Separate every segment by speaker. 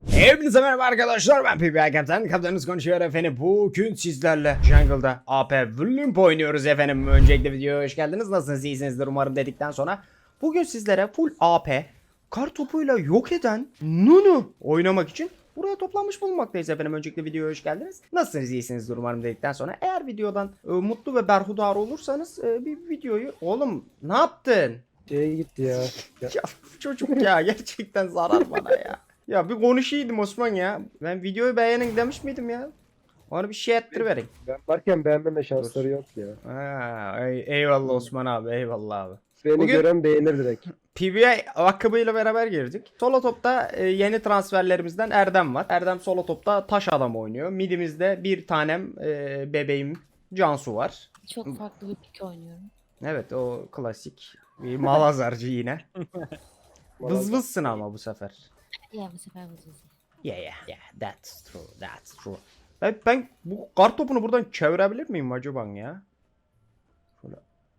Speaker 1: Hepinize merhaba arkadaşlar, ben PBA Kaptan. Kaptanınız konuşuyor efendim. Bugün sizlerle Jungle'da AP Vlimp oynuyoruz efendim. Öncelikle videoya hoş geldiniz. Nasılsınız, iyisinizdir umarım dedikten sonra bugün sizlere full AP kar topuyla yok eden Nunu oynamak için buraya toplanmış bulunmaktayız efendim. Öncelikle videoya hoş geldiniz. Nasılsınız, iyisinizdir umarım dedikten sonra eğer videodan mutlu ve berhudar olursanız bir videoyu... Oğlum ne yaptın?
Speaker 2: Gitti ya.
Speaker 1: Ya çocuk ya, gerçekten zarar bana ya. Ya bir konuşaydım Osman ya. Ben videoyu beğenin demiş miydim ya? Ona bir şey ettiriverin.
Speaker 2: Ben varken beğenmeme şansları yok ya.
Speaker 1: Ha, eyvallah Osman abi, eyvallah abi.
Speaker 2: Beni
Speaker 1: Bugün-
Speaker 2: gören beğenir direkt.
Speaker 1: PBA ayakkabıyla beraber girdik. Solo topta yeni transferlerimizden Erdem var. Erdem solo topta taş adam oynuyor. Midimizde bir tanem bebeğim Cansu var.
Speaker 3: Çok farklı bir pik oynuyorum.
Speaker 1: Evet, o klasik bir malazarcı yine. Vız vızsın ama bu sefer.
Speaker 3: Ya bu sefer vızvızı.
Speaker 1: Yeah, that's true. Ben bu kar topunu buradan çevirebilir miyim acaba ya? Şöyle.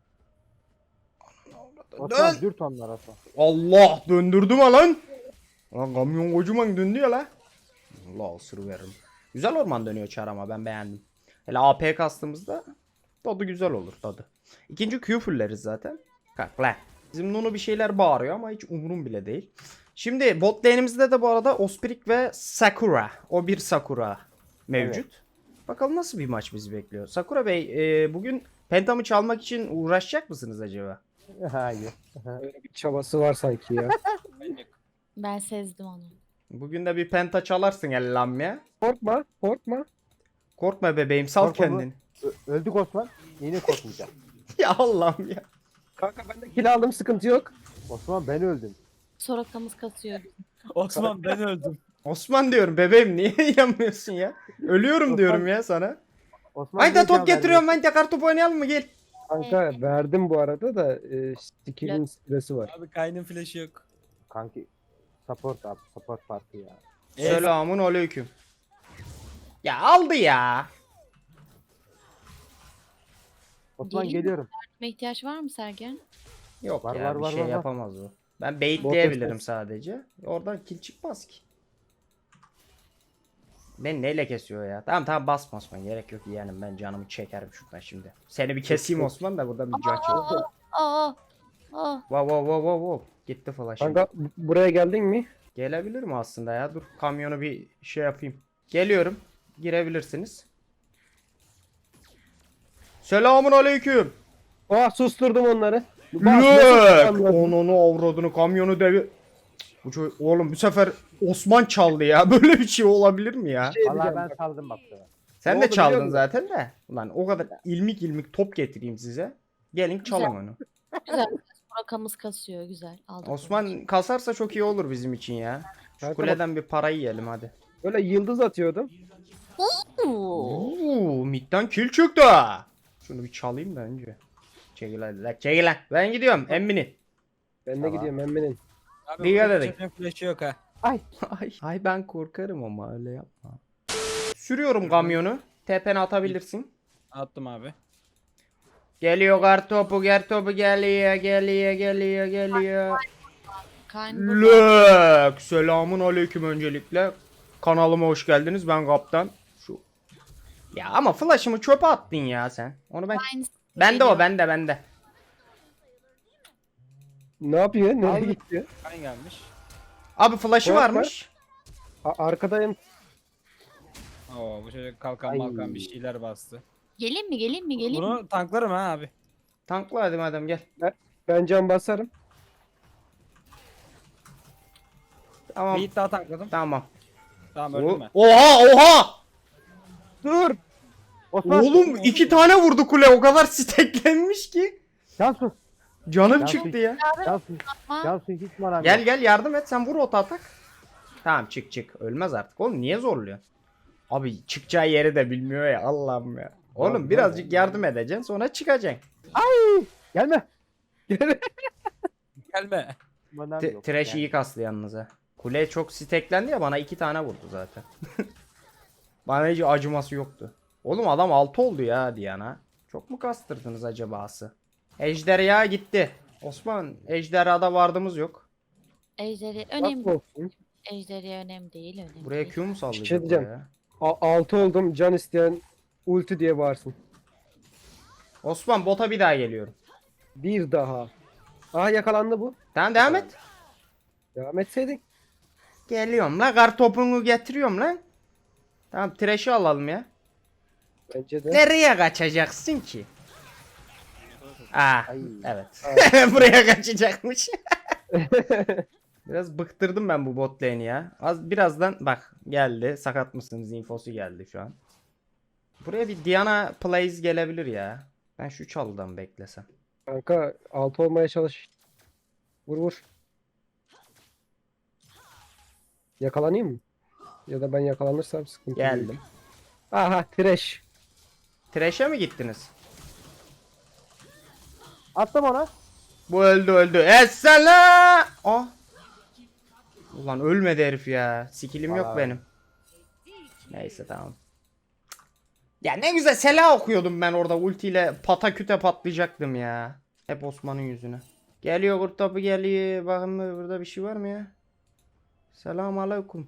Speaker 2: Osman dürt onlar Osman.
Speaker 1: Allah, döndürdüm ha lan. Lan kamyon kocaman döndü ya la. Allah, ısırı veririm. Güzel orman dönüyor çar ama ben beğendim. Hele AP kastığımızda tadı güzel olur tadı. İkinci Q fulleriz zaten. Kalk lan. Bizim Nunu bir şeyler bağırıyor ama hiç umurum bile değil. Şimdi bot lane'imizde de bu arada Ospirik ve Sakura. O bir Sakura mevcut. Bakalım nasıl bir maç bizi bekliyor. Sakura Bey, bugün Pentam'ı çalmak için uğraşacak mısınız acaba?
Speaker 2: Hayır. Öyle bir çabası var sanki ya.
Speaker 3: Ben sezdim onu.
Speaker 1: Bugün de bir penta çalarsın ellam ya.
Speaker 2: Korkma, korkma.
Speaker 1: Korkma bebeğim, sal
Speaker 4: Korkma
Speaker 1: kendini.
Speaker 4: Öldük Osman. Yine korkmayacağım.
Speaker 1: Ya Allah'ım ya.
Speaker 2: Kanka ben de kill aldım, sıkıntı yok.
Speaker 4: Osman ben öldüm.
Speaker 3: Sorakamız kasıyor.
Speaker 5: Osman ben öldüm.
Speaker 1: Osman diyorum bebeğim, niye inanmıyorsun ya? Ölüyorum diyorum ya sana.
Speaker 4: Osman
Speaker 1: Haydi
Speaker 4: niye
Speaker 1: top
Speaker 4: can
Speaker 1: getiriyorum,
Speaker 4: vermiyorsun?
Speaker 1: haydi kartopu oynayalım mı, gel.
Speaker 2: Kanka verdim bu arada da skill'in sırası var.
Speaker 5: Abi kaynın flash'ı yok.
Speaker 4: Kanki support abi, support parti ya.
Speaker 1: Selamun aleyküm. Ya aldı ya.
Speaker 4: Osman
Speaker 3: Geleyim mi?
Speaker 4: geliyorum.
Speaker 3: Yardıma ihtiyaç var mı Sergen?
Speaker 1: Yok
Speaker 4: Var,
Speaker 1: ya,
Speaker 4: var,
Speaker 1: bir
Speaker 4: var,
Speaker 1: şey
Speaker 4: var, var.
Speaker 1: yapamaz o. Ben baitleyebilirim sadece. Oradan kill çıkmaz ki. Ben neyle kesiyor ya? Tamam basma Osman, gerek yok yeğenim, ben canımı çekerim şuradan şimdi. Seni bir keseyim Osman da burada bir can çek.
Speaker 3: Aa! Aa!
Speaker 1: Wow. Gitti flash'ım.
Speaker 2: Kanka buraya geldin mi?
Speaker 1: Gelebilir mi aslında ya? Dur kamyonu bir şey yapayım. Geliyorum. Girebilirsiniz. Selamun aleyküm.
Speaker 2: Susturdum onları.
Speaker 1: Lök. Onunu avradını, kamyonu devi. Bu oğlum bu sefer Osman çaldı ya. Böyle bir şey olabilir mi ya?
Speaker 4: Vallahi ben saldım bak sana.
Speaker 1: Sen
Speaker 2: Ne
Speaker 1: de
Speaker 2: oldu
Speaker 1: çaldın
Speaker 2: biliyor musun?
Speaker 1: zaten de. Ulan o kadar ilmik top getireyim size. Gelin çalın onu.
Speaker 3: Güzel. Sorakamız kasıyor. Güzel. Aldık.
Speaker 1: Osman kasarsa çok iyi olur bizim için ya. Şu
Speaker 2: Kanka
Speaker 1: kuleden bir para yiyelim hadi.
Speaker 2: Böyle yıldız atıyordum.
Speaker 3: Oo.
Speaker 1: Oo, midden kill çıktı. Şunu bir çalayım da önce. Çekil hadi lan, çekil lan. Ben gidiyorum emmini.
Speaker 2: Ben de
Speaker 1: Tamam.
Speaker 2: gidiyorum emmenin.
Speaker 5: Abi
Speaker 1: Dikkat
Speaker 5: bu
Speaker 1: edin.
Speaker 5: çetin flash'ı yok ha.
Speaker 1: Ay ben korkarım ama öyle yapma. Sürüyorum kamyonu. Tepene atabilirsin.
Speaker 5: Attım abi.
Speaker 1: Geliyor kartopu geliyor.
Speaker 3: Kayn burada.
Speaker 1: Lök. Selamun aleyküm öncelikle. Kanalıma hoş geldiniz. Ben kaptan. Şu. Ya ama flash'ımı çöpe attın ya sen. Onu ben.
Speaker 3: Aynısı
Speaker 1: Bende o,
Speaker 3: geliyor.
Speaker 1: bende.
Speaker 2: Ne yapıyor? Nereye
Speaker 4: Abi.
Speaker 2: gitti?
Speaker 5: Kayn gelmiş.
Speaker 1: Abi flash'ı
Speaker 2: Korkma.
Speaker 1: varmış.
Speaker 2: Arkadayım.
Speaker 5: Oo bu çocuk kalkan
Speaker 4: Ay.
Speaker 5: malkan bir şeyler bastı.
Speaker 3: Gelin mi? Gelin mi? Gelin mi?
Speaker 5: Bunu tanklarım ha abi.
Speaker 1: Tankla hadi madem, gel.
Speaker 2: Ben can basarım.
Speaker 1: Tamam.
Speaker 5: Bir hit daha tankladım.
Speaker 1: Tamam.
Speaker 5: Tamam öldüm ben.
Speaker 1: Oha!
Speaker 2: Dur.
Speaker 4: Osman.
Speaker 1: Oğlum 2 tane vurdu kule, o kadar steklenmiş ki.
Speaker 4: Cansu.
Speaker 1: Canım
Speaker 4: Ya
Speaker 1: çıktı ya.
Speaker 4: Cansu.
Speaker 3: Ama
Speaker 4: Cansu hiç maram
Speaker 1: Gel yardım et, sen vur ota atak. Tamam çık. Ölmez artık oğlum, niye zorluyor? Abi çıkacağı yeri de bilmiyor ya, Allah'ım ya. Oğlum
Speaker 4: Ya,
Speaker 1: birazcık yardım edeceksin, sonra çıkacaksın.
Speaker 4: Gelme.
Speaker 5: Gelme.
Speaker 4: Manam yok.
Speaker 1: Trash
Speaker 4: Yani.
Speaker 1: iyi kaslı yalnız ha. Kule çok steklendi ya, bana 2 tane vurdu zaten. Bana hiç acıması yoktu. Oğlum adam 6 oldu ya Diana. Çok mu kastırdınız acabası? Ejderha gitti. Osman, ejderhada vardığımız yok.
Speaker 3: Ejderi
Speaker 2: Bak
Speaker 3: önemli.
Speaker 2: olsun.
Speaker 3: Ejderiye önemli değil. Önemli
Speaker 1: Buraya
Speaker 3: değil.
Speaker 1: Q mu sallayacak
Speaker 2: şey diyeceğim.
Speaker 1: buraya?
Speaker 2: 6 oldum. Can isteyen ulti diye bağırsın.
Speaker 1: Osman bota bir daha geliyorum.
Speaker 2: Bir daha. Aha yakalandı bu.
Speaker 1: Tamam devam et.
Speaker 2: Devam etseydin.
Speaker 1: Geliyorum la, kar topunu getiriyorum lan. Tamam, Thresh'i alalım ya.
Speaker 2: Bence de.
Speaker 1: Nereye kaçacaksın ki? Aa,
Speaker 4: Ay.
Speaker 1: evet. Buraya kaçacakmış. Biraz bıktırdım ben bu bot lane'i ya. Birazdan bak geldi. Sakat mısınız infosu geldi şu an. Buraya bir Diana plays gelebilir ya. Ben şu çalıdan beklesem.
Speaker 2: Kanka 6 olmaya çalış. Vur vur. Yakalanayım mı? Ya da ben yakalanırsam sıkıntı değil.
Speaker 1: Geldim.
Speaker 2: Aha trash.
Speaker 1: Thresh'e mi gittiniz?
Speaker 4: Attım ona.
Speaker 1: Bu öldü. Essela! Oh. Ulan ölmedi herif ya. Skill'im yok
Speaker 4: Vallahi.
Speaker 1: benim. Neyse tamam. Ya ne güzel Sela okuyordum ben orada, ultiyle pataküte patlayacaktım ya. Hep Osman'ın yüzüne. Geliyor kurt topu geliyor. Bakın burada bir şey var mı ya? Selamun aleyküm.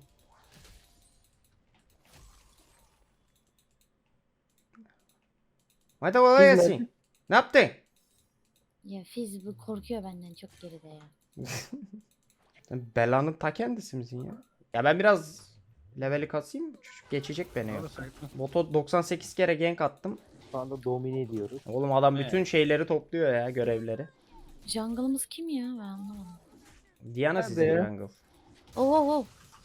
Speaker 1: Hadi kolay
Speaker 2: Biz
Speaker 1: gelsin. Ne yaptın?
Speaker 3: Ya Fizz bu korkuyor benden çok geride ya.
Speaker 1: Sen belanın ta kendisi misin ya? Ya ben biraz leveli kasayım. Çocuk geçecek beni ya. Boto 98 kere gank attım.
Speaker 4: Şu anda domine ediyoruz.
Speaker 1: Oğlum adam
Speaker 5: Evet.
Speaker 1: bütün şeyleri topluyor ya, görevleri.
Speaker 3: Jungle'ımız kim ya? Ben anlamadım.
Speaker 1: Diana
Speaker 2: Nerede
Speaker 1: sizin
Speaker 2: ya?
Speaker 1: jungle.
Speaker 3: Oo.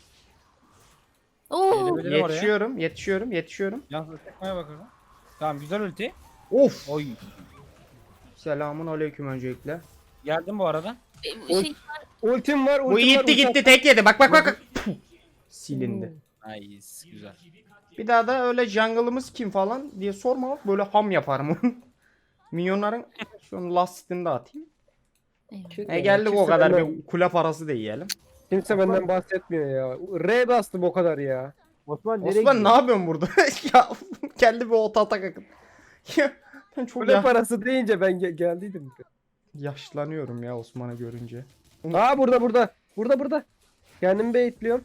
Speaker 3: Oo.
Speaker 5: Gelebilirim oraya.
Speaker 1: Yetişiyorum.
Speaker 5: Yansız tekmeye bakalım. Tamam güzel ulti.
Speaker 1: Of.
Speaker 5: Oy.
Speaker 1: Selamun aleyküm öncelikle.
Speaker 5: Geldim bu arada.
Speaker 3: Şey,
Speaker 2: Ultim var.
Speaker 1: Bu
Speaker 2: Ultim var,
Speaker 1: gitti
Speaker 2: ulti
Speaker 1: tek yedi. Bak. Puh. Silindi.
Speaker 5: Nice. Güzel.
Speaker 1: Bir daha da öyle jungle'ımız kim falan diye sorma, bak böyle ham yaparım onu. Minyonların şu an lastini de atayım.
Speaker 3: eyvallah.
Speaker 1: Geldik o
Speaker 2: Kimse
Speaker 1: kadar
Speaker 2: benden-
Speaker 1: bir kule parası da yiyelim.
Speaker 2: Kimse benden bahsetmiyor ya. R bastım o kadar ya.
Speaker 4: Osman nereye
Speaker 1: Osman ne
Speaker 4: gidiyor?
Speaker 1: yapıyorsun burada? Ya kendi bir ota atak akın. Ya ben çok
Speaker 2: Kule parası deyince ben geldiydim.
Speaker 1: yaşlanıyorum ya Osman'ı görünce.
Speaker 2: Aa burada. Burada. Kendimi baitliyorum.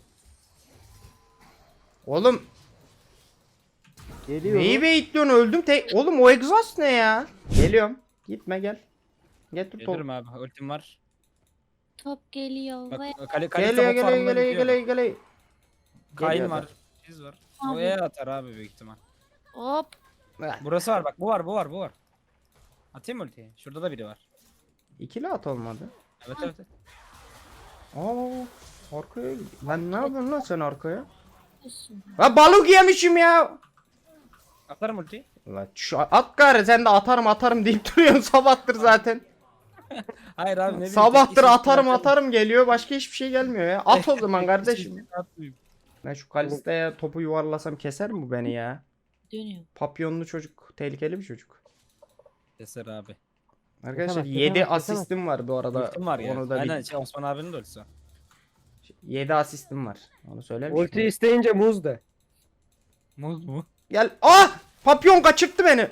Speaker 1: Oğlum
Speaker 4: Geliyorum.
Speaker 1: neyi baitliyorsun, öldüm tek. Oğlum o egzoz ne ya? Geliyorum. Gitme gel. Getir top.
Speaker 5: Gelirim abi. Ultim var.
Speaker 3: Top geliyor.
Speaker 5: Bak
Speaker 3: Ve...
Speaker 1: Geliyor.
Speaker 5: Kayn
Speaker 1: Geliyor
Speaker 5: var. Çiz var. O
Speaker 3: Abi.
Speaker 5: E atar abi büyük ihtimal.
Speaker 3: Hop.
Speaker 5: Burası var bak. Bu var. Atayım mı ultiyi? Şurada da biri var.
Speaker 1: İkili at olmadı.
Speaker 5: Evet.
Speaker 1: Aa, arkaya gidiyor. Lan ne yapıyorsun lan sen arkaya?
Speaker 3: Olsun.
Speaker 1: Ha balık yemişim ya.
Speaker 5: Atarım ultiyi.
Speaker 1: Ulan şu at gari, sen de atarım deyip duruyorsun sabahtır zaten.
Speaker 5: Hayır abi ne bileyim.
Speaker 1: Sabahtır
Speaker 5: tek
Speaker 1: atarım
Speaker 5: atarım.
Speaker 1: geliyor, başka hiçbir şey gelmiyor ya. At o zaman kardeşim.
Speaker 5: Atmayayım.
Speaker 1: Ben şu Kalista'ya topu yuvarlasam keser mi bu beni ya?
Speaker 3: Dönüyor.
Speaker 1: Papyonlu çocuk, tehlikeli bir çocuk.
Speaker 5: Keser abi.
Speaker 1: Arkadaşlar
Speaker 4: Kesemez,
Speaker 1: 7
Speaker 4: kesemez,
Speaker 1: asistim var bu arada.
Speaker 5: Ultim var ya.
Speaker 1: Onu da
Speaker 5: Aynen Osman abinin de ultisi var.
Speaker 1: 7 asistim var. Onu söylemiş
Speaker 2: Ulti
Speaker 1: miydim?
Speaker 2: isteyince muz de.
Speaker 5: Muz mu?
Speaker 1: Gel. Ah! Papyon kaçırttı beni.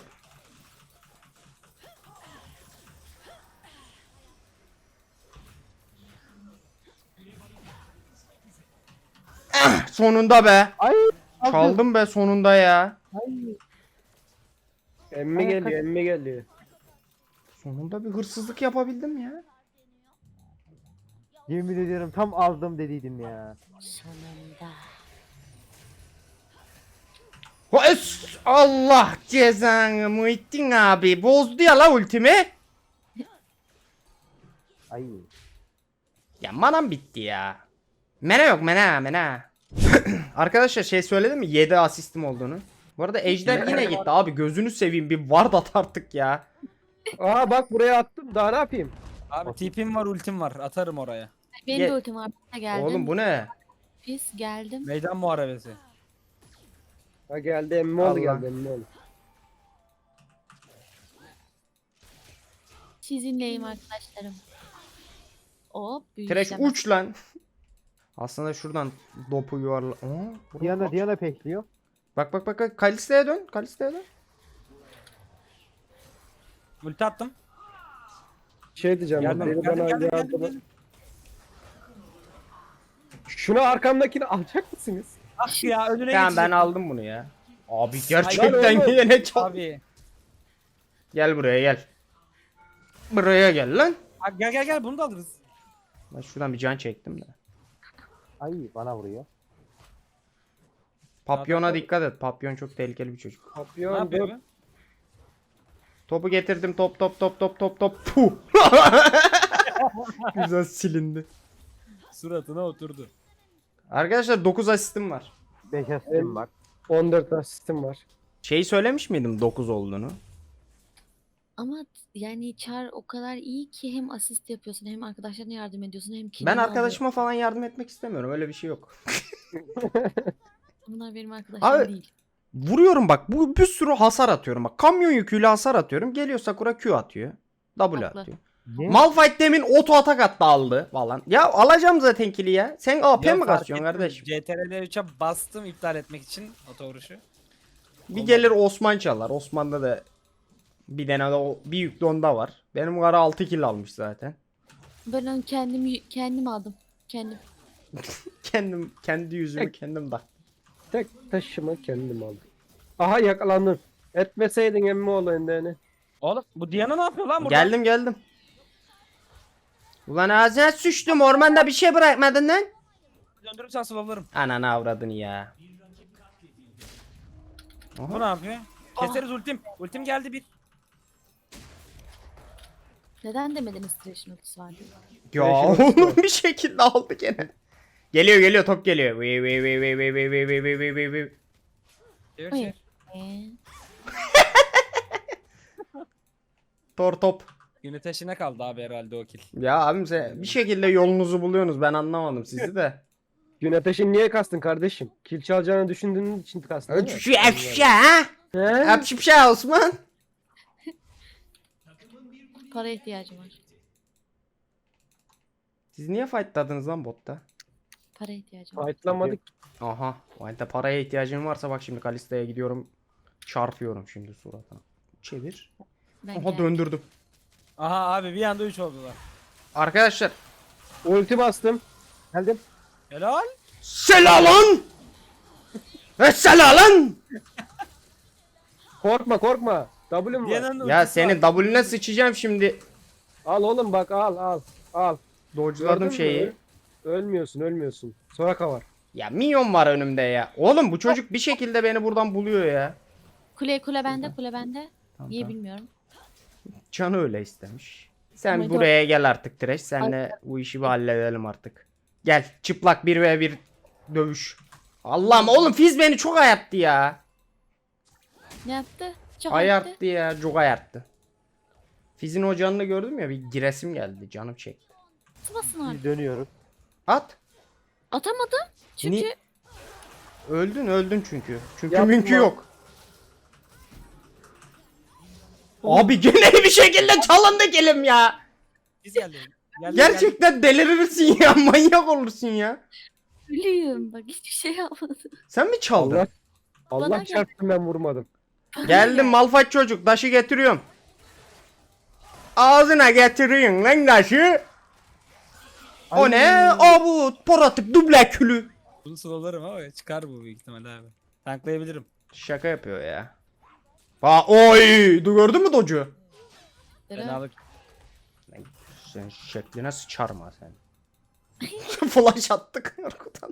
Speaker 1: Ah, sonunda be.
Speaker 4: Ay.
Speaker 1: Çaldım be sonunda ya.
Speaker 4: Ay.
Speaker 2: Emmi
Speaker 4: Ay,
Speaker 2: geliyor.
Speaker 1: Sonunda bir hırsızlık yapabildim ya.
Speaker 4: Yemin ediyorum tam aldım dediydim ya.
Speaker 3: Sonunda.
Speaker 1: Allah cezanı Muhittin abi. Bozdu ya la ultimi.
Speaker 4: Ay.
Speaker 1: Ya manam bitti ya. Mena yok mena. Arkadaşlar şey söyledim mi? 7 asistim olduğunu. Bu arada Ejder yine gitti abi, gözünü seveyim bir ward at artık ya.
Speaker 2: Aa bak buraya attım. Daha ne yapayım?
Speaker 5: Abi tipim var ultim var. Atarım oraya.
Speaker 3: Benim
Speaker 1: Ye-
Speaker 3: de ultim var. Ben de geldim.
Speaker 1: Oğlum bu ne?
Speaker 3: Biz geldim.
Speaker 5: Meydan muharebesi.
Speaker 2: Ha geldi emmi oldu
Speaker 1: Allah.
Speaker 2: geldi emmi oldu.
Speaker 3: Sizinleyim arkadaşlarım. Hop. büyük
Speaker 1: Trash
Speaker 3: istemem.
Speaker 1: uç lan. Aslında şuradan dopu yuvarla. Aa,
Speaker 4: Diana pekliyor.
Speaker 1: bak. Kalista'ya dön.
Speaker 5: Ulti attım.
Speaker 2: Şey diyeceğim.
Speaker 5: Geldim.
Speaker 2: Biri bana yardım. Şunu arkamdakini alacak mısınız?
Speaker 5: Ah ya önüne
Speaker 1: Tamam ben
Speaker 5: geçecek.
Speaker 1: aldım bunu ya. Abi
Speaker 2: Lan
Speaker 1: gerçekten
Speaker 2: oğlum.
Speaker 1: yine çok.
Speaker 5: Abi.
Speaker 1: Gel buraya gel. Buraya gel lan.
Speaker 5: Ha, gel gel gel bunu da alırız.
Speaker 1: Ben şuradan bir can çektim de.
Speaker 4: Ay bana vuruyor.
Speaker 1: Papyona dikkat et. Papyon çok tehlikeli bir çocuk.
Speaker 5: Ne
Speaker 2: Papyon
Speaker 5: yapıyor
Speaker 2: dur.
Speaker 5: bu?
Speaker 1: Topu getirdim. Top top top top top top. Puh. Güzel silindi.
Speaker 5: Suratına oturdu.
Speaker 1: Arkadaşlar 9 asistim var.
Speaker 4: 5 asistim var.
Speaker 2: 14 asistim var.
Speaker 1: Şeyi söylemiş miydim 9 olduğunu?
Speaker 3: Ama yani Char o kadar iyi ki hem asist yapıyorsun hem arkadaşlarına yardım ediyorsun hem
Speaker 1: Ben
Speaker 3: killini
Speaker 1: arkadaşıma falan yardım etmek istemiyorum. Öyle bir şey yok.
Speaker 3: alıyorsun. Bunlar benim arkadaşlarım
Speaker 1: Abi-
Speaker 3: değil.
Speaker 1: Vuruyorum bak. Bu bir sürü hasar atıyorum. Bak kamyon yüküyle hasar atıyorum. Geliyor Sakura Q atıyor. W
Speaker 3: Haklı.
Speaker 1: atıyor.
Speaker 4: Ne?
Speaker 1: Malphite demin oto atak attı aldı falan. Ya alacağım zaten kill'i ya. Sen AP
Speaker 5: Ya
Speaker 1: mi
Speaker 5: fark
Speaker 1: kaçıyorsun
Speaker 5: ettim.
Speaker 1: kardeşim?
Speaker 5: CTRL 3'e bastım iptal etmek için oto vuruşu.
Speaker 1: Bir gelir Osman çalar. Osman'da da bir tane de bir yüklü onda var. Benim kara 6 kill almış zaten.
Speaker 3: Ben onu kendim aldım. Kendim.
Speaker 1: Kendi yüzümü kendim da.
Speaker 2: Tek taşıma kendim aldım. Aha yakalandın. Etmeseydin emmi olayın yani.
Speaker 5: Oğlum bu Diana ne yapıyor lan burada?
Speaker 1: Geldim. Ulan ağzına sıçtım. Ormanda bir şey bırakmadın lan.
Speaker 5: Döndürürsen slowlarım.
Speaker 1: Ananı avradını ya.
Speaker 5: Bu ne yapıyor? Keseriz ultim. Ultim geldi bir.
Speaker 3: Neden demediniz Thresh'in ultisi vardı?
Speaker 1: Ya
Speaker 2: Beşin ultisi
Speaker 1: oğlum
Speaker 2: var.
Speaker 1: bir şekilde aldı gene. Geliyor top geliyor. Vıy vıy vıy vıy vıy vıy vıy vıy vıy vıy vıy vıy.
Speaker 5: Çevir
Speaker 3: Hayır.
Speaker 5: çevir.
Speaker 1: Tor top.
Speaker 5: Güneteşine kaldı abi herhalde o kill.
Speaker 1: Ya abim sen bir şekilde yolunuzu buluyorsunuz. Ben anlamadım sizi de.
Speaker 2: Gün ateşini niye kastın kardeşim? Kil çalacağını düşündüğün için kastın değil mi?
Speaker 1: Şu efşa ha.
Speaker 2: He?
Speaker 1: Efşa Osman.
Speaker 3: Para ihtiyacım var.
Speaker 1: Siz niye fightladınız lan botta?
Speaker 3: Para ihtiyacım var.
Speaker 2: Fightlamadık.
Speaker 1: Aha. O halde paraya ihtiyacın varsa bak şimdi Kalista'ya gidiyorum. Çarpıyorum şimdi suratına. Çevir.
Speaker 3: Ben
Speaker 1: Aha
Speaker 3: geldim.
Speaker 1: döndürdüm.
Speaker 5: Aha abi bir anda 3 oldular.
Speaker 1: Arkadaşlar.
Speaker 2: Ulti bastım.
Speaker 4: Geldim.
Speaker 5: Helal.
Speaker 1: Selalın. Selalın.
Speaker 2: Korkma. W'm var.
Speaker 5: Diana'nın
Speaker 1: Ya
Speaker 5: ultisi
Speaker 1: senin
Speaker 5: var.
Speaker 1: W'ne sıçacağım şimdi.
Speaker 2: Al oğlum bak al.
Speaker 1: Dodge'ladım
Speaker 2: Gördün mü?
Speaker 1: şeyi.
Speaker 2: Ölmüyorsun. Soraka var.
Speaker 1: Ya minyon var önümde ya. Oğlum bu çocuk bir şekilde beni buradan buluyor ya.
Speaker 3: Kule bende.
Speaker 1: Tamam,
Speaker 3: Niye
Speaker 1: tamam.
Speaker 3: bilmiyorum.
Speaker 1: Canı öyle istemiş. Sen
Speaker 3: Ama
Speaker 1: buraya gel artık Thresh. Senle bu işi bir halledelim artık. Gel çıplak 1v1 dövüş. Allah'ım oğlum Fizz beni çok ayarttı ya.
Speaker 3: Ne yaptı? Çok yaptı.
Speaker 1: Ayarttı ya. Çok ayarttı. Fizz'in o canını gördüm ya bir giresim geldi. Canım çekti.
Speaker 3: Atmasın artık.
Speaker 4: Biz dönüyoruz.
Speaker 1: At.
Speaker 3: Atamadım. Çünkü
Speaker 1: Ni- Öldün çünkü. Çünkü
Speaker 2: Yapma.
Speaker 1: mümkün yok. Abi gene bir şekilde çalındık elim ya.
Speaker 5: Biz geldi. Geldi,
Speaker 1: Gerçekten delirirsin ya. Manyak olursun ya.
Speaker 3: ölüyüm. Bak hiçbir şey yapmadım.
Speaker 1: Sen mi çaldın?
Speaker 2: Allah
Speaker 3: Bana
Speaker 2: Allah
Speaker 3: gel.
Speaker 2: çarptı ben vurmadım.
Speaker 1: Geldim Malphite çocuk. Taşı getiriyorum. Ağzına getiriyorsun lan taşı. O ne? O bu poratık duble külü.
Speaker 5: Bunu slowlarım ama çıkar bu büyük ihtimalle abi. Tanklayabilirim.
Speaker 1: Şaka yapıyor ya. Oy! Gördün mü Docu?
Speaker 5: Fenalık.
Speaker 1: Sen şekline sıçarım ha sen. Flash attık arkadan.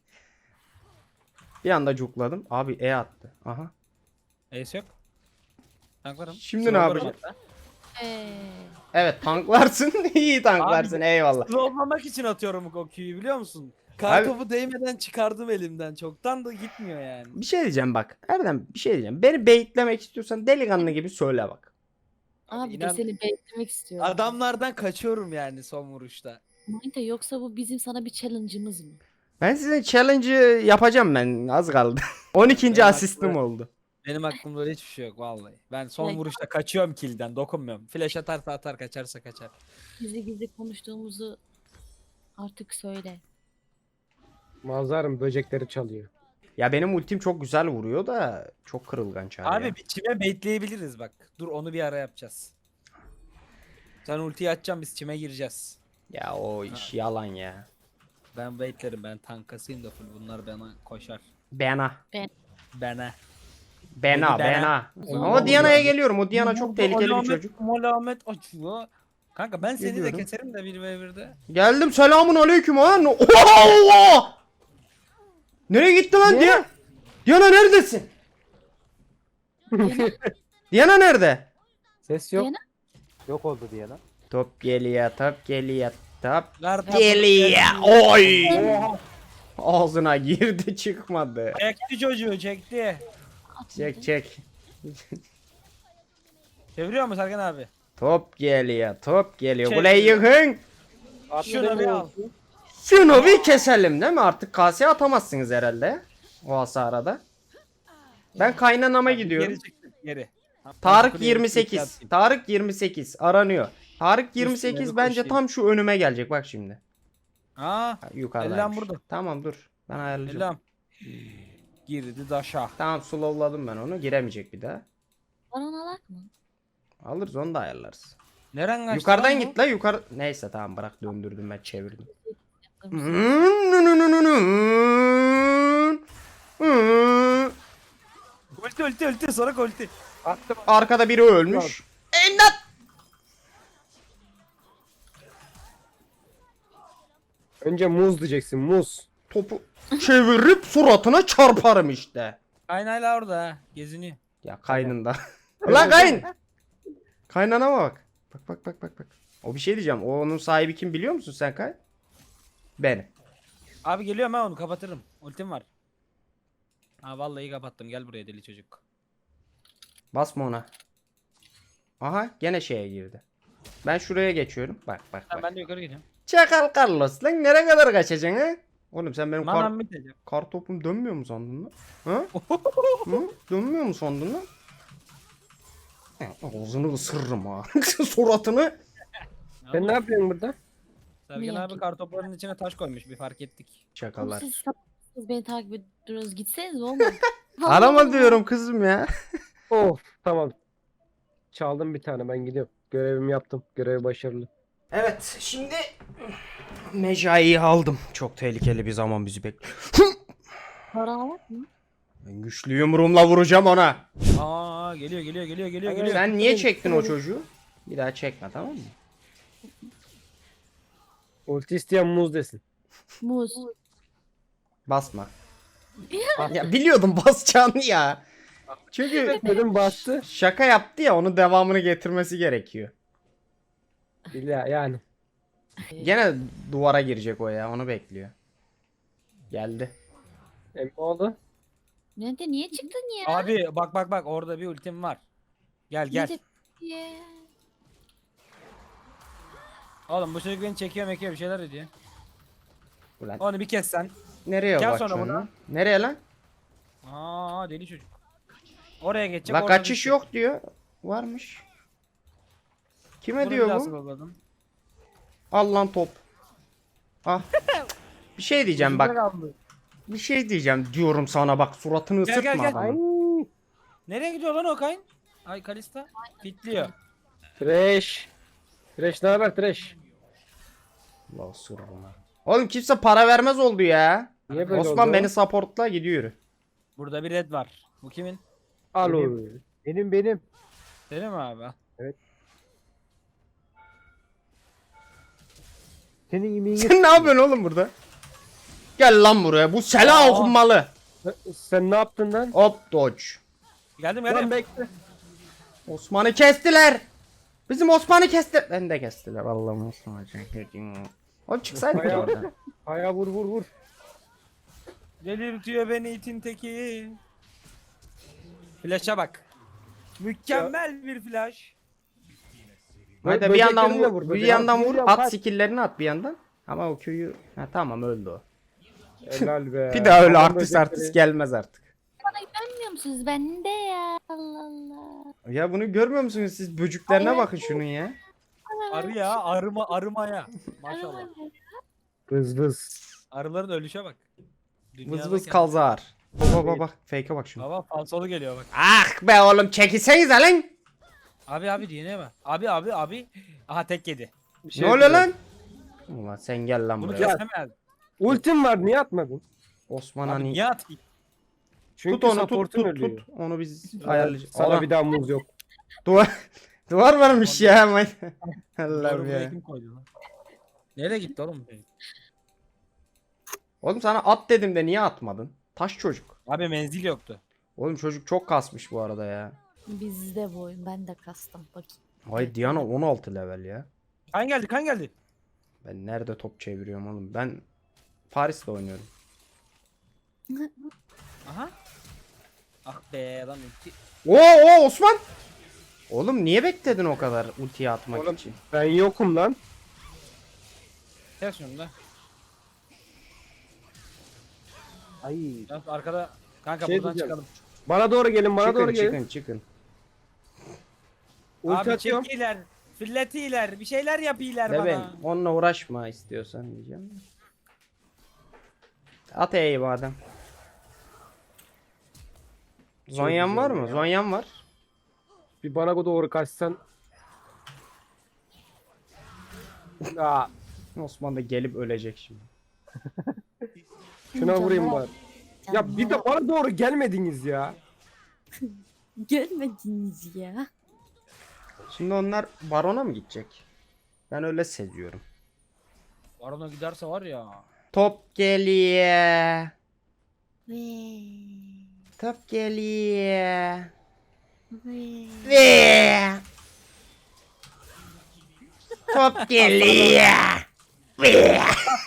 Speaker 1: Bir anda cukladım. Abi E attı. Aha.
Speaker 5: Ace yok. Tanklarım.
Speaker 1: Şimdi ne
Speaker 5: Slowlarım
Speaker 1: yapacağız?
Speaker 5: hatta.
Speaker 1: Evet tanklarsın. İyi tanklarsın.
Speaker 5: Abi-
Speaker 1: Eyvallah.
Speaker 5: Slowlamak için atıyorum o Q'yu biliyor musun?
Speaker 1: Abi-
Speaker 5: Kartopu değmeden çıkardım elimden. Çoktan da gitmiyor yani.
Speaker 1: Bir şey diyeceğim bak. Erdem bir şey diyeceğim. Beni baitlemek istiyorsan delikanlı gibi söyle bak.
Speaker 3: Abi
Speaker 5: İnan-
Speaker 3: de seni beklemek istiyorum.
Speaker 5: Adamlardan kaçıyorum yani son vuruşta.
Speaker 3: Manita yoksa bu bizim sana bir challenge'ımız mı?
Speaker 1: Ben sizin challenge'ı yapacağım ben. Az kaldı. 12.
Speaker 5: Ben
Speaker 1: asistim
Speaker 5: haklı.
Speaker 1: oldu.
Speaker 5: Benim aklımda öyle hiçbir şey yok vallahi. Ben son
Speaker 3: Evet.
Speaker 5: vuruşta kaçıyorum kill'den, dokunmuyorum. Flash atarsa atar, kaçarsa kaçar.
Speaker 3: Gizli konuştuğumuzu artık söyle.
Speaker 2: Mazarım böcekleri çalıyor.
Speaker 1: Ya benim ultim çok güzel vuruyor da çok kırılgan çağrı
Speaker 5: Abi
Speaker 1: ya.
Speaker 5: çime baitleyebiliriz bak. Dur onu bir ara yapacağız. Sen ultiyi açacaksın biz çime gireceğiz.
Speaker 1: Ya o iş yalan ya.
Speaker 5: Ben baitlerim, ben tankasıyım da full, bunlar bana koşar.
Speaker 1: Bena.
Speaker 5: Bana.
Speaker 1: Bena.
Speaker 5: Beni
Speaker 1: Bena.
Speaker 3: Zaman
Speaker 1: Ama o Diana'ya
Speaker 3: oluyor.
Speaker 1: geliyorum. O Diana çok tehlikeli bir çocuk.
Speaker 5: Alamet açıyor. Kanka ben seni
Speaker 1: Geliyorum.
Speaker 5: de keserim de 1v1'de.
Speaker 1: Geldim, selamun aleyküm ha. Allah! Nereye gitti lan Diana? Diana neredesin? Diana nerede?
Speaker 2: Ses yok.
Speaker 3: Diana-
Speaker 4: Yok oldu diye lan.
Speaker 1: Top geliyor, top geliyor, top
Speaker 5: Garda
Speaker 1: geliyor. Oy!
Speaker 5: Oha.
Speaker 1: Ağzına girdi çıkmadı.
Speaker 5: Çekti çocuğu, çekti.
Speaker 1: Çek çek.
Speaker 5: Çeviriyor mu Serkan abi?
Speaker 1: Top geliyor, top geliyor.
Speaker 5: Çek.
Speaker 1: Kuleyi yıkın.
Speaker 5: Şunu bir al.
Speaker 1: Şunu bir keselim değil mi? Artık kaseye atamazsınız herhalde. O hasarada. Ben kaynanama gidiyorum.
Speaker 5: Geri çıktı, geri.
Speaker 1: Tarık
Speaker 5: Kuleye
Speaker 1: 28.
Speaker 5: atayım.
Speaker 1: Tarık 28 aranıyor. Tarık 28
Speaker 5: Üstüne bir
Speaker 1: bence
Speaker 5: koşayım.
Speaker 1: tam şu önüme gelecek bak şimdi.
Speaker 5: Aa,
Speaker 1: Ha, yukarıdaymış.
Speaker 5: Ellam burada.
Speaker 1: Tamam dur. Ben ayarlayacağım.
Speaker 5: Elam. Girdi daşa.
Speaker 1: Tamam slowladım ben onu. Giremeyecek bir daha.
Speaker 3: Baron alak mı?
Speaker 1: Alırız onu da ayarlarız.
Speaker 5: Neren kaçtı
Speaker 1: Yukarıdan
Speaker 5: lan bu?
Speaker 1: git la yukarı. Neyse tamam bırak döndürdüm ben çevirdim.
Speaker 5: Ulti sonra ulti.
Speaker 2: Attım.
Speaker 1: Arkada biri ölmüş. İmdat!
Speaker 2: Önce muz diyeceksin muz.
Speaker 1: Topu çevirip suratına çarparım işte.
Speaker 5: Kaynayla orada ha. Geziniyor.
Speaker 1: Ya kaynında. Ulan kayın. Kaynana bak. Bak. O bir şey diyeceğim. O onun sahibi kim biliyor musun sen Kay? Benim.
Speaker 5: Abi geliyorum ha, onu kapatırım. Ultim var. Ha vallahi kapattım. Gel buraya deli çocuk.
Speaker 1: Basma ona. Aha gene şeye girdi. Ben şuraya geçiyorum. Bak.
Speaker 5: Tamam, ben de yukarı gidiyorum.
Speaker 1: Çakal Carlos lan nereye kadar kaçacaksın ha? Oğlum sen benim
Speaker 5: Manam bitecek.
Speaker 1: kar topum dönmüyor mu sandın lan? Ha? Hı? Dönmüyor mu sandın lan? Ağzını ısırırım ha. Suratını.
Speaker 2: Sen ne yapıyorsun burada?
Speaker 5: Sergen
Speaker 3: Niye
Speaker 5: abi
Speaker 3: ki?
Speaker 5: kartopların içine taş koymuş, bir fark ettik.
Speaker 3: Oğlum
Speaker 1: Çakallar.
Speaker 3: siz sapsınız, beni takip ediyorsunuz. Gitseniz olmaz.
Speaker 1: Arama diyorum kızım ya.
Speaker 2: Of tamam. Çaldım bir tane ben gidiyorum. Görevimi yaptım. Görev başarılı.
Speaker 1: Evet şimdi Mecai'yi aldım. Çok tehlikeli bir zaman bizi bekliyor.
Speaker 3: Baron alak mı?
Speaker 1: Ben güçlü yumruğumla vuracağım ona.
Speaker 5: Aa geliyor.
Speaker 1: Sen niye çektin o çocuğu? Bir daha çekme tamam mı?
Speaker 2: Ulti isteyen muz desin.
Speaker 3: Muz.
Speaker 1: Basma. Ya biliyordum basacağını ya. Çünkü
Speaker 2: Dedim bastı.
Speaker 1: şaka yaptı ya onun devamını getirmesi gerekiyor.
Speaker 2: İlla yani.
Speaker 1: Gene duvara girecek o ya onu bekliyor. Geldi.
Speaker 2: Emmoğlu.
Speaker 3: Nerede? Niye çıktın ya?
Speaker 5: Abi bak orada bir ultim var. Gel.
Speaker 3: Nerede?
Speaker 5: Oğlum bu çocuk beni çekiyor bir şeyler ediyor.
Speaker 1: Ulan
Speaker 5: Onu bir kes sen.
Speaker 1: nereye
Speaker 5: Gel
Speaker 1: bakıyorsun
Speaker 5: sonra buna.
Speaker 1: lan? Nereye lan?
Speaker 5: Aa deli çocuk. Oraya geçecek.
Speaker 1: La
Speaker 5: orada
Speaker 1: kaçış
Speaker 5: düşecek.
Speaker 1: yok diyor. Varmış. Kime
Speaker 5: Bunu
Speaker 1: diyor
Speaker 5: bir daha
Speaker 1: bu?
Speaker 5: sıvırladım.
Speaker 1: Al lan top. Ah. Bir şey diyeceğim bak.
Speaker 5: Güzel aldı.
Speaker 1: Bir şey diyeceğim diyorum sana bak suratını
Speaker 5: Gel,
Speaker 1: ısırtma
Speaker 5: gel.
Speaker 1: adamın.
Speaker 5: Nereye gidiyor lan o kayın? Ay Kalista. Fitliyor.
Speaker 2: Trash. Trash ne haber Trash?
Speaker 1: Allah ısır buna. Oğlum kimse para vermez oldu ya.
Speaker 2: Niye böyle
Speaker 1: Osman
Speaker 2: oldu?
Speaker 1: beni supportla gidiyor.
Speaker 5: Burada bir red var. Bu kimin?
Speaker 2: Al
Speaker 4: Benim.
Speaker 2: onu.
Speaker 4: Benim.
Speaker 5: Senin mi abi?
Speaker 4: Senin yemeğini
Speaker 1: Sen ne yapıyorsun oğlum burada? Gel lan buraya. Bu selah
Speaker 5: Aa.
Speaker 1: okunmalı.
Speaker 2: Sen ne yaptın lan?
Speaker 1: Hop dodge.
Speaker 5: Geldim
Speaker 2: Lan
Speaker 5: geldim.
Speaker 2: bekle.
Speaker 1: Osman'ı kestiler. Bizim Osman'ı kesti. Ben de kestiler. Allah'ım Osman'ı. Oğlum çıksaydık
Speaker 2: Bayağı-
Speaker 1: oradan.
Speaker 2: Aya vur.
Speaker 5: Delirtiyor beni itin teki. Flash'a bak. Mükemmel bir flash.
Speaker 1: Hadi bir
Speaker 2: Böceklerini
Speaker 1: yandan
Speaker 2: de
Speaker 1: vur. Bir
Speaker 2: böcek-
Speaker 1: yandan vur.
Speaker 4: Vuruyorum,
Speaker 1: At
Speaker 4: kaç.
Speaker 1: skill'lerini at bir yandan. Ama o köyü... Ha tamam öldü o.
Speaker 2: Helal be.
Speaker 1: Bir daha öyle
Speaker 2: Adam
Speaker 1: artist
Speaker 2: böcekleri-
Speaker 1: artist gelmez artık.
Speaker 3: Bana güvenmiyor musunuz? Bende ya. Allah Allah.
Speaker 1: Ya bunu görmüyor musunuz siz? Böcüklerine bakın şunun ya.
Speaker 5: Arı ya arımaya. Maşallah.
Speaker 2: Vız.
Speaker 5: Arıların ölüşe bak.
Speaker 1: Vız vız kalzar. Bak. Fake'e bak şunu.
Speaker 5: Baba falsolu geliyor bak.
Speaker 1: Ah be oğlum çekilsenize lan.
Speaker 5: Abi dinle bak. Abi. Aha tek yedi.
Speaker 2: Bir şey
Speaker 1: Ne oluyor
Speaker 2: diyeceğim.
Speaker 1: lan? Ulan sen gel lan
Speaker 5: Bunu
Speaker 1: buraya.
Speaker 5: kesemez.
Speaker 2: Ultim var niye atmadın?
Speaker 1: Osman
Speaker 5: Abi
Speaker 1: hani
Speaker 5: niye atayım?
Speaker 2: Çünkü
Speaker 1: tut onu tut
Speaker 2: support'un
Speaker 1: tut
Speaker 2: ölüyor.
Speaker 1: tut. Onu biz
Speaker 2: Evet,
Speaker 1: ayarlayacağız.
Speaker 2: sana
Speaker 1: Allah,
Speaker 2: bir daha muz yok.
Speaker 1: duvar duvar varmış ya hemen. Allah'ım
Speaker 5: Doğru buraya
Speaker 1: ya.
Speaker 5: kim koydu lan? Nereye gitti oğlum?
Speaker 1: Oğlum sana at dedim de niye atmadın? Taş çocuk.
Speaker 5: Abi menzil yoktu.
Speaker 1: Oğlum çocuk çok kasmış bu arada ya.
Speaker 3: Bizde bu oyun. Ben de kastım. Bakayım.
Speaker 1: Ay Diana 16 level ya.
Speaker 5: Kan geldi kan geldi.
Speaker 1: Ben nerede top çeviriyorum oğlum? Ben Paris'te oynuyorum.
Speaker 5: Aha. Ah be lan ulti.
Speaker 1: Oo Osman. Oğlum niye bekledin o kadar ultiyi atmak
Speaker 2: Oğlum,
Speaker 1: için?
Speaker 2: Ben yokum lan.
Speaker 5: Gel şunu da.
Speaker 4: Ay.
Speaker 5: Ya arkada kanka
Speaker 2: Şey
Speaker 5: buradan
Speaker 2: diyeceğim.
Speaker 5: çıkalım.
Speaker 2: Bana doğru gelin bana doğru
Speaker 1: Çıkın
Speaker 2: gelin.
Speaker 1: çıkın çıkın.
Speaker 2: Ulti
Speaker 5: Abi
Speaker 2: atıyorum.
Speaker 5: çekiler, filletiler, bir şeyler yapıyorlar
Speaker 1: De ben
Speaker 5: bana.
Speaker 1: onunla uğraşma istiyorsan diyeceğim. At E'yi madem. Zonyan var mı? Zonyan var.
Speaker 2: Bir bana doğru kaçsan. Aa,
Speaker 1: Osman da gelip ölecek şimdi.
Speaker 2: şuna vurayım
Speaker 3: Canlar,
Speaker 2: bari. Ya bir de bana doğru gelmediniz ya.
Speaker 3: Gelmediniz ya.
Speaker 1: Şimdi onlar barona mı gidecek? Ben öyle seziyorum.
Speaker 5: Barona giderse var ya.
Speaker 1: Top geliyor.
Speaker 3: Ve
Speaker 1: Top geliyor.
Speaker 3: ve
Speaker 1: Ve. Top geliyor. Ve.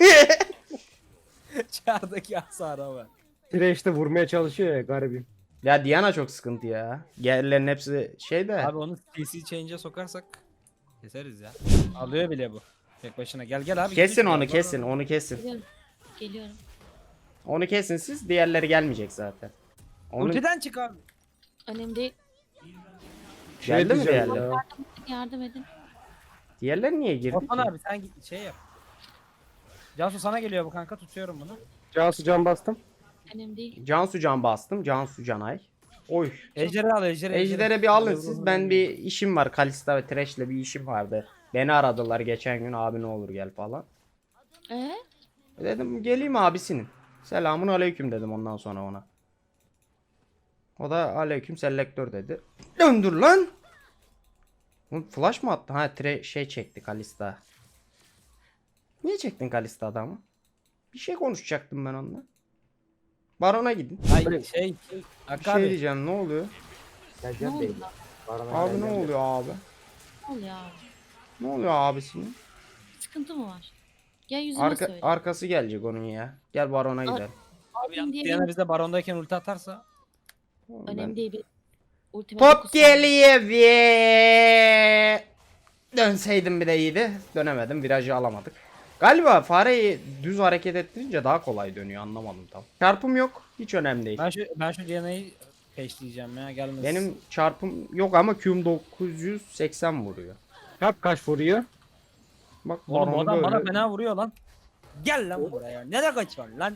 Speaker 5: Çağırdaki hasara var.
Speaker 2: Tire vurmaya çalışıyor ya garibim.
Speaker 1: Ya Diana çok sıkıntı ya. Yerlerin hepsi şey de.
Speaker 5: Abi onu TC change'e sokarsak keseriz ya. Alıyor bile bu. Tek başına gel gel abi.
Speaker 1: Kesin
Speaker 5: gidiyorsun
Speaker 1: onu
Speaker 5: ya.
Speaker 1: kesin onu kesin.
Speaker 3: geliyorum. Geliyorum.
Speaker 1: Onu kesin siz diğerleri gelmeyecek zaten. Onu
Speaker 5: Ultiden çık abi.
Speaker 3: Önemli değil.
Speaker 1: geldi mi
Speaker 2: diyeceğim
Speaker 1: diğerleri?
Speaker 2: ya.
Speaker 3: Yardım edin.
Speaker 1: Diğerleri niye girdi
Speaker 5: Osman
Speaker 1: ki?
Speaker 5: abi sen git şey yap. Cansu sana geliyor bu kanka tutuyorum bunu.
Speaker 2: Cansu can bastım.
Speaker 3: Önemli değil.
Speaker 1: Cansu can bastım. Cansu Canay. Oy.
Speaker 5: Ejder'i al Ejder'i.
Speaker 1: Ejder'e bir alın siz. Ben bir işim var. Kalista ve Thresh'le bir işim vardı. Beni aradılar geçen gün. Abi ne olur gel falan.
Speaker 3: Ee?
Speaker 1: Dedim geleyim abisinin. Selamun aleyküm dedim ondan sonra ona. O da aleyküm selektör dedi. Döndür lan. Oğlum flash mı attı? Ha şey çekti Kalista. Niye çektin Kalista adamı? Bir şey konuşacaktım ben onunla. Baron'a gidin.
Speaker 5: Ay
Speaker 2: Öyle.
Speaker 5: şey.
Speaker 1: Bir
Speaker 5: Hakkı
Speaker 1: şey
Speaker 5: abi.
Speaker 1: diyeceğim ne oluyor?
Speaker 3: Ne
Speaker 4: Geleceğim
Speaker 3: oldu
Speaker 4: değil.
Speaker 3: lan?
Speaker 4: Barona
Speaker 1: Abi ne
Speaker 4: geleceğim.
Speaker 1: oluyor abi?
Speaker 3: Ne oluyor abi?
Speaker 1: Ne oluyor abisinin?
Speaker 3: Sıkıntı mı var? Gel yüzüme
Speaker 1: Arka,
Speaker 3: söyle.
Speaker 1: arkası gelecek onun ya. Gel Baron'a gidelim.
Speaker 5: Abi yalnız
Speaker 3: diye
Speaker 5: Diana bize barondayken ulti atarsa.
Speaker 3: Önemli değil. Bir ultimate
Speaker 1: Top
Speaker 3: 9 saniye.
Speaker 1: geliyor ve dönseydim bir de iyiydi. Dönemedim. Virajı alamadık. Galiba fareyi düz hareket ettirince daha kolay dönüyor. Anlamadım tam. Çarpım yok. Hiç önemli değil.
Speaker 5: Ben şu Diana'yı peşleyeceğim ya gelmesin.
Speaker 1: Benim çarpım yok ama Q'm 980 vuruyor.
Speaker 2: Kap kaç vuruyor?
Speaker 1: Bak
Speaker 5: Oğlum o
Speaker 1: Baron'u
Speaker 5: adam bana
Speaker 1: böyle.
Speaker 5: fena vuruyor lan. Gel lan buraya. Nereye kaçıyorsun lan?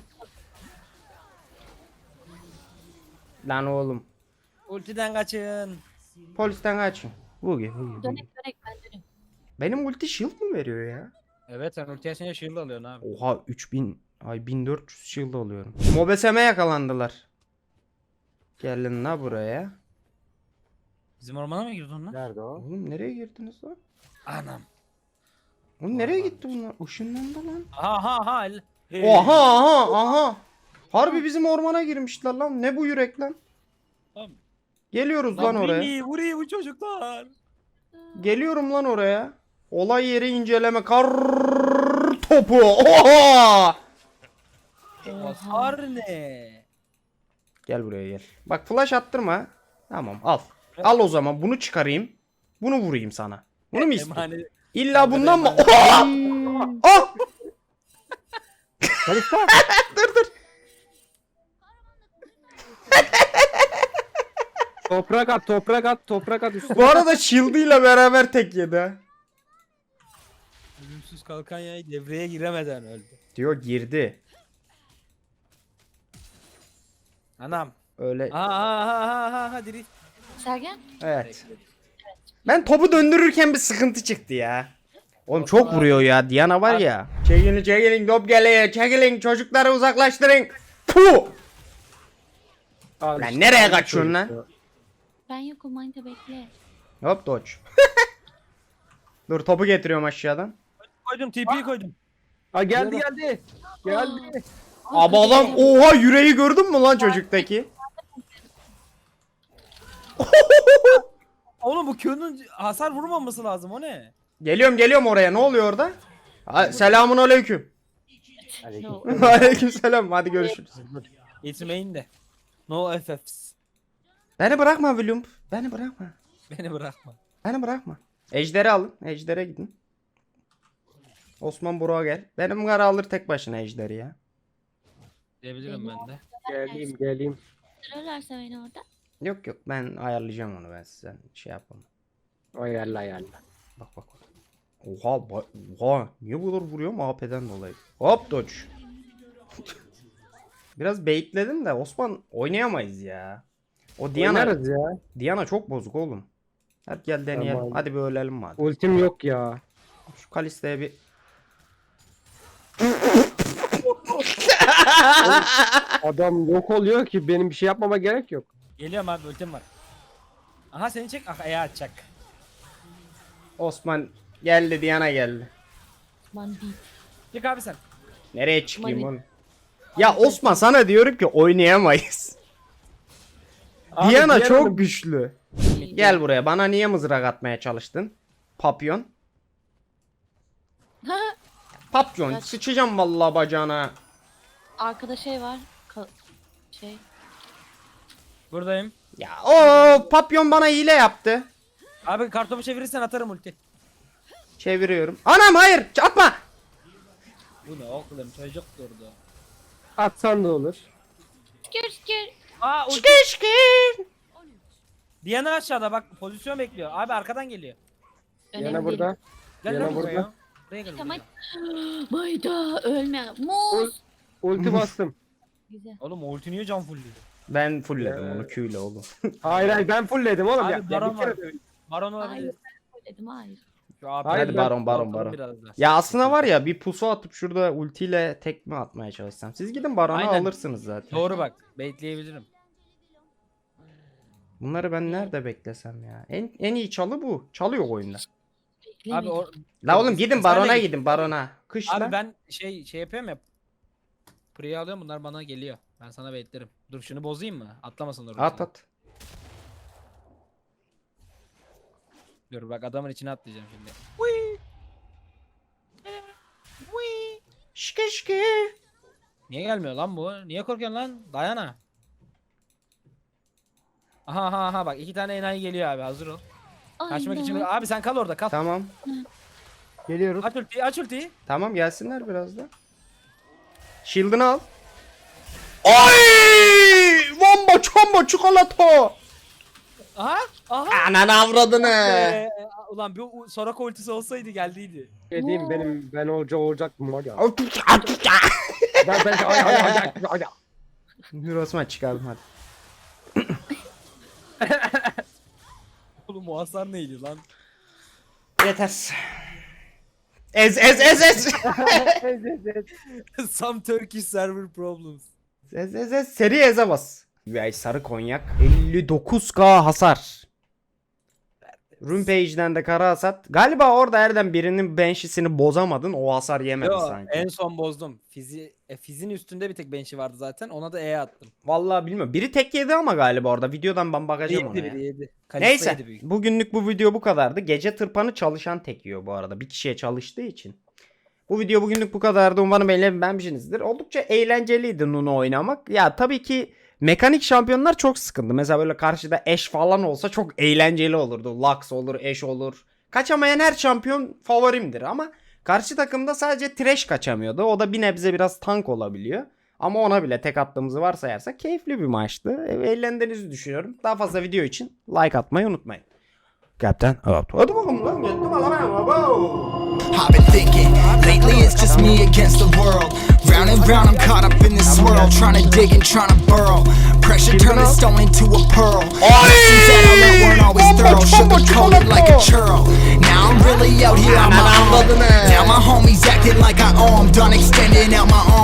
Speaker 1: Lan oğlum.
Speaker 5: Ultiden kaçın.
Speaker 1: Polisten kaçın. Bugi.
Speaker 3: Dönek dönek ben döneyim.
Speaker 1: Benim ulti shield mi veriyor ya?
Speaker 5: Evet sen ulti açınca shield alıyorsun abi.
Speaker 1: Oha 3000 ay 1400 shield alıyorum. Mobeseme yakalandılar. Gelin la buraya.
Speaker 5: Bizim ormana mı girdin lan?
Speaker 4: Nerede o?
Speaker 1: Oğlum nereye girdiniz lan?
Speaker 5: Anam.
Speaker 1: Oğlum nereye gitti bunlar? Işınlandı lan.
Speaker 5: Aha ha.
Speaker 1: Oha aha aha. Harbi bizim ormana girmişler lan. Ne bu yürek lan?
Speaker 5: Tamam.
Speaker 1: Geliyoruz lan oraya.
Speaker 5: Vuruyor bu çocuklar.
Speaker 1: Geliyorum lan oraya. Olay yeri inceleme. Kar topu. Oha!
Speaker 5: Hasar ne?
Speaker 1: Gel buraya gel. Bak flash attırma. Tamam al. Al o zaman bunu çıkarayım. Bunu vurayım sana. Bunu mu istiyorsun?
Speaker 5: Emanet.
Speaker 1: İlla bundan mı? Oha! Ah!
Speaker 2: Kalista. Toprak at toprak at toprak at üstüne.
Speaker 1: Bu arada shield'ıyla beraber tek yedi ha.
Speaker 5: Ölümsüz kalkan yay devreye giremeden öldü.
Speaker 1: Diyor girdi.
Speaker 5: Anam.
Speaker 1: Öyle.
Speaker 5: Ha drift.
Speaker 3: Sergen?
Speaker 1: Evet. Ben topu döndürürken bir sıkıntı çıktı ya. Oğlum çok vuruyor ya. Diana var ya. Çekilin top geliyor. Çekilin çocukları uzaklaştırın. Puh.
Speaker 2: Al
Speaker 1: Lan
Speaker 2: işte,
Speaker 1: nereye
Speaker 2: al
Speaker 1: kaçıyorsun lan?
Speaker 2: çocuk ya.
Speaker 3: Ben yokum Manita bekle.
Speaker 1: Hop dodge. Dur topu getiriyorum aşağıdan.
Speaker 5: Koydum TP'yi koydum.
Speaker 2: Aa geldi geldi. Geldi.
Speaker 1: Abi adam oha yüreği gördün mü lan çocuktaki?
Speaker 5: Oğlum bu Q'nun hasar vurmaması lazım o ne?
Speaker 1: Geliyorum oraya. Ne oluyor orada? Selamun aleyküm.
Speaker 3: Yo,
Speaker 1: Aleyküm selam. Hadi görüşürüz.
Speaker 5: It's main de. No FFs.
Speaker 1: Beni bırakma William. Beni bırakma.
Speaker 5: Beni bırakma.
Speaker 1: Beni bırakma. Ejder'i alın. Ejder'e gidin. Osman Burak'a gel. Benim kara alır tek başına Ejder'i ya.
Speaker 5: Diyebilirim ben de.
Speaker 2: Geleyim.
Speaker 3: sırarlarsa beni orada.
Speaker 1: Yok ben ayarlayacağım onu ben size şey yapamam.
Speaker 2: Ayarla.
Speaker 1: Bak. Oha niye bu kadar vuruyorum AP'den dolayı. Hop dodge. Biraz baitledim de Osman oynayamayız ya. O Diana
Speaker 2: Oynarız ya.
Speaker 1: Diana çok bozuk oğlum. Hadi gel deneyelim.
Speaker 2: Tamam.
Speaker 1: Hadi bir ölelim madem.
Speaker 2: Ultim yok ya.
Speaker 1: Şu Kalista'ya bir
Speaker 2: Adam yok oluyor ki benim bir şey yapmama gerek yok.
Speaker 5: Geliyorum abi ultim var. Aha seni çek. Ah ayağı atacak.
Speaker 1: Osman geldi Diana geldi.
Speaker 3: Osman değil.
Speaker 5: Çık abi sen.
Speaker 1: Nereye çıkayım
Speaker 3: Mani-
Speaker 1: oğlum? Ya Osman sana diyorum ki oynayamayız.
Speaker 2: Abi,
Speaker 1: Diana
Speaker 2: diğer
Speaker 1: çok
Speaker 2: hanım-
Speaker 1: güçlü. Gel buraya. Bana niye mızrak atmaya çalıştın? Papyon. Papyon.
Speaker 3: Kaç-
Speaker 1: Sıçacağım vallahi bacağına.
Speaker 3: Arkada şey var. Şey.
Speaker 5: Buradayım.
Speaker 1: Ya o papyon bana hile yaptı.
Speaker 5: Abi kartopu çevirirsen atarım ulti.
Speaker 1: Çeviriyorum. Anam hayır atma.
Speaker 5: Bu ne oğlum çocuk durdu.
Speaker 2: Atsan da olur.
Speaker 3: Şükür.
Speaker 5: Aa ulti.
Speaker 1: Şıkır şıkır.
Speaker 5: Diana aşağıda bak pozisyon bekliyor. Abi arkadan geliyor.
Speaker 3: Önemli
Speaker 2: Yana
Speaker 3: değil.
Speaker 2: burada.
Speaker 5: Gel
Speaker 2: Diana
Speaker 5: lan
Speaker 2: burada.
Speaker 5: buraya. Buraya gel.
Speaker 3: Tamam.
Speaker 5: buraya.
Speaker 3: Mayda ölme. Muz.
Speaker 2: Ulti bastım.
Speaker 3: Güzel.
Speaker 5: Oğlum ulti niye can fullüyor?
Speaker 1: Ben fullledim onu Q'yle oğlum.
Speaker 2: Hayır ben fullledim oğlum
Speaker 5: Abi,
Speaker 2: ya.
Speaker 5: baron
Speaker 2: Bir kere
Speaker 5: var.
Speaker 2: de-
Speaker 5: Baron
Speaker 3: Hayır
Speaker 5: olabilir.
Speaker 3: ben söyledim hayır.
Speaker 5: Şu abi
Speaker 2: Hayır,
Speaker 1: Hadi
Speaker 2: ben-
Speaker 1: baron.
Speaker 5: Bakalım biraz daha.
Speaker 1: Ya aslında var ya bir pusu atıp şurada ultiyle tekme atmaya çalışsam. Siz gidin baronu
Speaker 5: Aynen.
Speaker 1: alırsınız zaten.
Speaker 5: Doğru bak. Baitleyebilirim.
Speaker 1: Bunları ben nerede beklesem ya? En iyi çalı bu. Çalıyor oyunda.
Speaker 5: Abi o...
Speaker 1: La oğlum gidin
Speaker 5: Sen de
Speaker 1: barona
Speaker 5: git.
Speaker 1: gidin barona. Kış
Speaker 5: Abi
Speaker 1: lan.
Speaker 5: ben şey yapıyorum ya. Priya alıyorum bunlar bana geliyor. Ben sana baitlerim. Dur şunu bozayım mı? Atlamasın oraya.
Speaker 1: At.
Speaker 5: Dur bak adamın içine atlayacağım şimdi.
Speaker 1: Şıkır şıkır.
Speaker 5: Niye gelmiyor lan bu? Niye korkuyorsun lan? Dayana. Aha bak iki tane enayi geliyor abi hazır ol. Kaçmak için abi sen kal orada kal.
Speaker 1: Tamam.
Speaker 2: Geliyoruz.
Speaker 5: Aç ultiyi.
Speaker 1: Tamam gelsinler biraz da. Shield'ını al. Ay! Bomba çomba çikolata.
Speaker 5: Aha.
Speaker 1: Anan avradını.
Speaker 5: Ulan bir Soraka ultisi olsaydı geldiydi.
Speaker 2: Dediğim ben olacak mı var ya.
Speaker 1: Ay,
Speaker 2: Ben
Speaker 1: Dur Osman çıkardım hadi.
Speaker 5: Oğlum o hasar neydi lan?
Speaker 1: Yeter. Ez.
Speaker 5: Some Turkish server problems.
Speaker 1: Ez. Seri eze bas. Vay sarı konyak. 59k hasar. Rumpage'den de kara hasat. Galiba orada Erdem birinin bench'isini bozamadın. O hasar yemedi
Speaker 5: Yo,
Speaker 1: sanki.
Speaker 5: en son bozdum. Fizin üstünde bir tek bench'i vardı zaten. Ona da E attım.
Speaker 1: Vallahi bilmiyorum. Biri tek yedi ama galiba orada. Videodan ben bakacağım ona ya.
Speaker 5: Yedi.
Speaker 1: Neyse. Bugünlük bu video bu kadardı. Gece tırpanı çalışan tek yiyor bu arada. Bir kişiye çalıştığı için. Bu video bugünlük bu kadardı. Umarım beğenmişsinizdir. Oldukça eğlenceliydi Nuno oynamak. Ya tabii ki mekanik şampiyonlar çok sıkıntı. Mesela böyle karşıda Ashe falan olsa çok eğlenceli olurdu. Lux olur, Ashe olur. Kaçamayan her şampiyon favorimdir ama karşı takımda sadece Thresh kaçamıyordu. O da bir nebze biraz tank olabiliyor. Ama ona bile tek attığımızı varsayarsak keyifli bir maçtı. Eğlendiğinizi düşünüyorum. Daha fazla video için like atmayı unutmayın. Kaptan. Hadi bakalım lan. Gittim
Speaker 6: I've been thinking, lately it's just me against the world. Round and round I'm caught up in this swirl, trying to dig and trying to burrow. Pressure turned a stone into a pearl. Lessons that I learned weren't always thorough. Sugar coated like a churl. Now I'm really out here on my own. Now my homies acting like I owe 'em. Done extending out my arms.